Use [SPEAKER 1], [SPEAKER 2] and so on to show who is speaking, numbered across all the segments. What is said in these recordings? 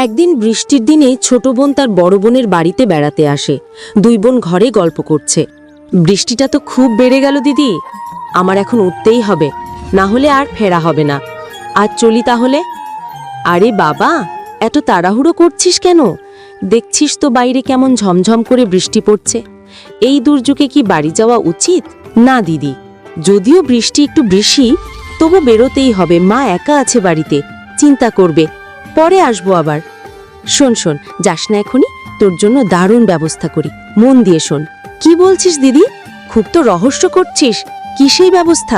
[SPEAKER 1] একদিন বৃষ্টির দিনে ছোট বোন তার বড় বোনের বাড়িতে বেড়াতে আসে। দুই বোন ঘরে গল্প করছে। বৃষ্টিটা তো খুব বেড়ে গেল দিদি, আমার এখন উঠতেই হবে, না হলে আর ফেরা হবে না। আজ চলি তাহলে। আরে বাবা, এত তাড়াহুড়ো করছিস কেন? দেখছিস তো বাইরে কেমন ঝমঝম করে বৃষ্টি পড়ছে। এই দুর্যোগে কি বাড়ি যাওয়া উচিত? না দিদি, যদিও বৃষ্টি একটু বেশি, তবু বেরোতেই হবে। মা একা আছে বাড়িতে, চিন্তা করবে, পরে আসবো আবার। শোন শোন, যাস না এখনই, তোর জন্য দারুণ ব্যবস্থা করি, মন দিয়ে শোন। কি বলছিস দিদি? খুব তো রহস্য করছিস, কি সেই ব্যবস্থা?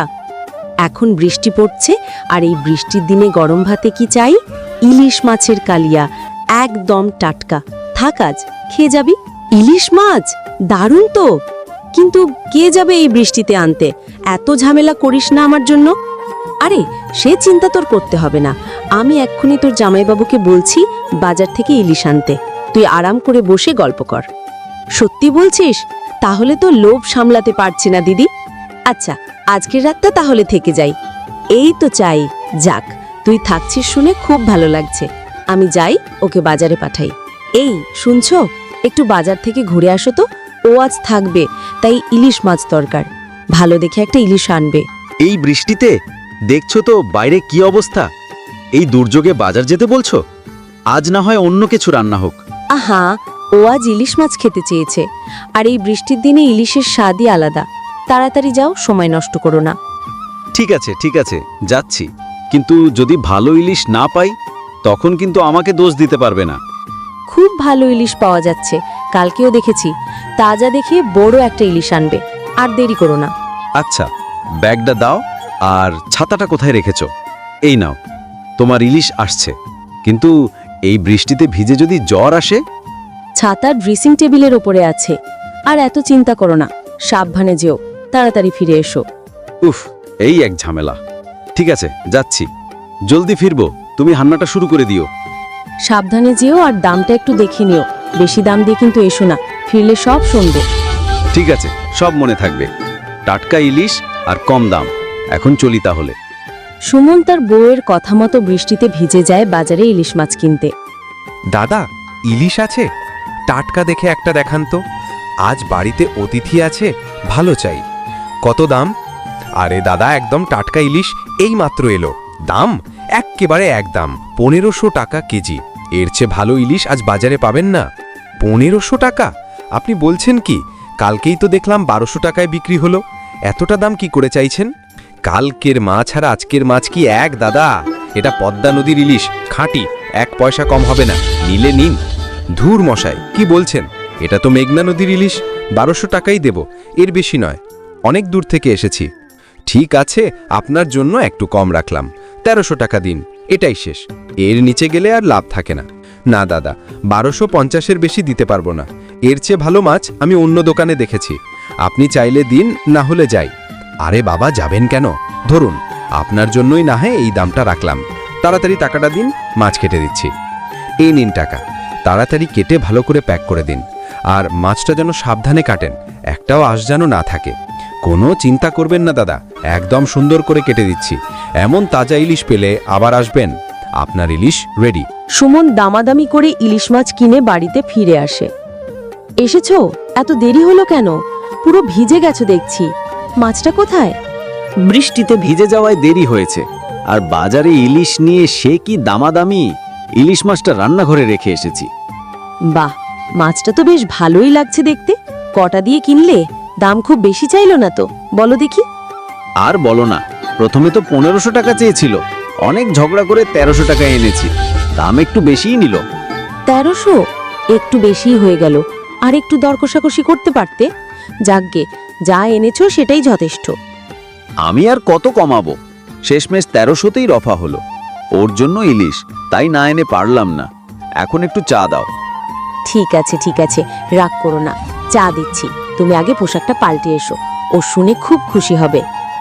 [SPEAKER 1] এখন বৃষ্টি পড়ছে, আর এই বৃষ্টির দিনে গরম ভাতে কি চাই? ইলিশ মাছের কালিয়া, একদম টাটকা। থাক, আজ খেয়ে যাবি। ইলিশ মাছ দারুণ তো, কিন্তু কে যাবে এই বৃষ্টিতে আনতে? এত ঝামেলা করিস না আমার জন্য। আরে সে চিন্তা তোর করতে হবে না, আমি এক্ষুনি তোর জামাইবাবুকে বলছি বাজার থেকে ইলিশ আনতে। তুই আরাম করে বসে গল্প কর। সত্যি বলছিস? তাহলে তো লোভ সামলাতে পারছি না দিদি। আচ্ছা, আজকের রাতটা তাহলে থেকে যাই। এই তো চাই। যাক, তুই থাকছিস শুনে খুব ভালো লাগছে। আমি যাই, ওকে বাজারে পাঠাই। এই শুনছো, একটু বাজার থেকে ঘুরে আসো তো। ও আজ থাকবে, তাই ইলিশ মাছ দরকার। ভালো দেখে একটা ইলিশ আনবে।
[SPEAKER 2] এই বৃষ্টিতে দেখছো তো বাইরে কি অবস্থা। এই দুর্যোগে বাজার যেতে বলছো? আজ না হয় অন্য কিছু রান্না হোক।
[SPEAKER 1] আহা, ও আজ ইলিশ মাছ খেতে চেয়েছে, আর এই বৃষ্টির দিনে ইলিশের স্বাদই আলাদা। তাড়াতাড়ি যাও, সময় নষ্ট করো না।
[SPEAKER 2] ঠিক আছে, যাচ্ছি। কিন্তু যদি ভালো ইলিশ না পাই, তখন কিন্তু আমাকে দোষ দিতে পারবে না।
[SPEAKER 1] খুব ভালো ইলিশ পাওয়া যাচ্ছে, কালকেও দেখেছি। তাজা দেখে বড় একটা ইলিশ আনবে, আর দেরি করো না।
[SPEAKER 2] আচ্ছা, ব্যাগটা দাও, আর ছাতাটা কোথায় রেখেছো? এই নাও, তোমার ইলিশ আসছে। কিন্তু এই বৃষ্টিতে ভিজে যদি জ্বর আসে?
[SPEAKER 1] ছাতা ড্রেসিং টেবিলের ওপরে আছে। আর এত চিন্তা করো না, সাবধানে যেও, তাড়াতাড়ি ফিরে এসো।
[SPEAKER 2] উফ, এই এক ঝামেলা। ঠিক আছে, যাচ্ছি। জলদি ফিরবো, তুমি রান্নাটা শুরু করে দিও।
[SPEAKER 1] সাবধানে যেও, আর দামটা একটু দেখে নিও। বেশি দাম দিয়ে কিন্তু এসো না, ফিরলে সব শুনবো।
[SPEAKER 2] ঠিক আছে, সব মনে থাকবে। টাটকা ইলিশ আর কম দাম। এখন চলি তাহলে।
[SPEAKER 1] সুমন তার বউয়ের কথা মতো বৃষ্টিতে ভিজে যায় বাজারে ইলিশ মাছ কিনতে।
[SPEAKER 3] দাদা, ইলিশ আছে? টাটকা দেখে একটা দেখান তো। আজ বাড়িতে অতিথি আছে, ভালো চাই। কত দাম? আরে দাদা, একদম টাটকা ইলিশ এই মাত্র এলো। দাম এক্কেবারে একদম 1500 টাকা কেজি। এর চেয়ে ভালো ইলিশ আজ বাজারে পাবেন না। 1500 টাকা? আপনি বলছেন কি? কালকেই তো দেখলাম 1200 টাকায় বিক্রি হলো। এতটা দাম কি করে চাইছেন? কালকের মাছ আর আজকের মাছ কি এক দাদা? এটা পদ্মা নদীর ইলিশ, খাঁটি, 1 পয়সা কম হবে না। নিলে নিন। ধুর মশাই, কি বলছেন? এটা তো মেঘনা নদীর ইলিশ, 1200 টাকাই দেব, এর বেশি নয়। অনেক দূর থেকে এসেছি। ঠিক আছে, আপনার জন্য একটু কম রাখলাম, 1300 টাকা দিন, এটাই শেষ। এর নিচে গেলে আর লাভ থাকে না। না দাদা, 1250-এর বেশি দিতে পারবো না। এর চেয়ে ভালো মাছ আমি অন্য দোকানে দেখেছি। আপনি চাইলে দিন, না হলে যাই। আরে বাবা, যাবেন কেন? ধরুন, আপনার জন্যই না হয় এই দামটা রাখলাম। তাড়াতাড়ি টাকাটা দিন, মাছ কেটে দিচ্ছি। এই নিন টাকা। তাড়াতাড়ি কেটে ভালো করে প্যাক করে দিন। আর মাছটা যেন সাবধানে কাটেন, একটাও আঁশ যেন না থাকে। কোনো চিন্তা করবেন না দাদা, একদম সুন্দর করে কেটে দিচ্ছি। এমন তাজা ইলিশ পেলে আবার আসবেন। আপনার ইলিশ রেডি।
[SPEAKER 1] সুমন দামাদামি করে ইলিশ মাছ কিনে বাড়িতে ফিরে আসে। এসেছো? এত দেরি হলো কেন? পুরো ভিজে গেছো দেখছি। মাছটা কোথায়?
[SPEAKER 2] বৃষ্টিতে ভিজে যাওয়ায় দেরি হয়েছে। আর বাজারে ইলিশ নিয়ে সে কি দামাদামি। ইলিশ মাছটা রান্নাঘরে রেখে এসেছি।
[SPEAKER 1] বাহ, মাছটা তো বেশ ভালোই লাগছে দেখতে। কটা দিয়ে কিনলে? দাম খুব বেশি চাইলো না তো? বলো দেখি।
[SPEAKER 2] আর বলো না, প্রথমে তো 1500 টাকা চেয়েছিল। অনেক ঝগড়া করে 1300 টাকা এনেছি। দাম একটু বেশিই নিল।
[SPEAKER 1] 1300? একটু বেশিই হয়ে গেল। আর একটু দর কষাকষি করতে পারতে। যাকগে, যা এনেছো সেটাই যথেষ্ট।
[SPEAKER 2] আমি আর কত কমাবো? শেষমেশ 1300তেই রফা হলো। ওর জন্য ইলিশ, তাই না এনে পারলাম না। এখন একটু চা দাও।
[SPEAKER 1] ঠিক আছে, রাগ করো না, চা দিচ্ছি। তুমি আগে পোশাকটা পাল্টে এসো, ও শুনে খুব খুশি হবে।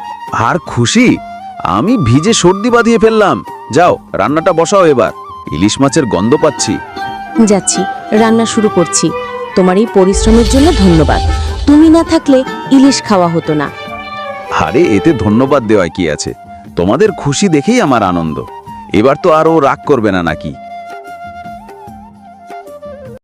[SPEAKER 2] আর খুশি? আমি ভিজে সর্দি বাঁধিয়ে ফেললাম। যাও, রান্নাটা বসাও এবার। ইলিশ মাছের গন্ধ পাচ্ছি।
[SPEAKER 1] যাচ্ছি, রান্না শুরু করছি। তোমার এই পরিশ্রমের জন্য ধন্যবাদ। তুমি না থাকলে ইলিশ খাওয়া হতো না।
[SPEAKER 2] আরে এতে ধন্যবাদ দেওয়ায় কি আছে? তোমাদের খুশি দেখেই আমার আনন্দ। এবার তো আর ও রাগ করবে না নাকি?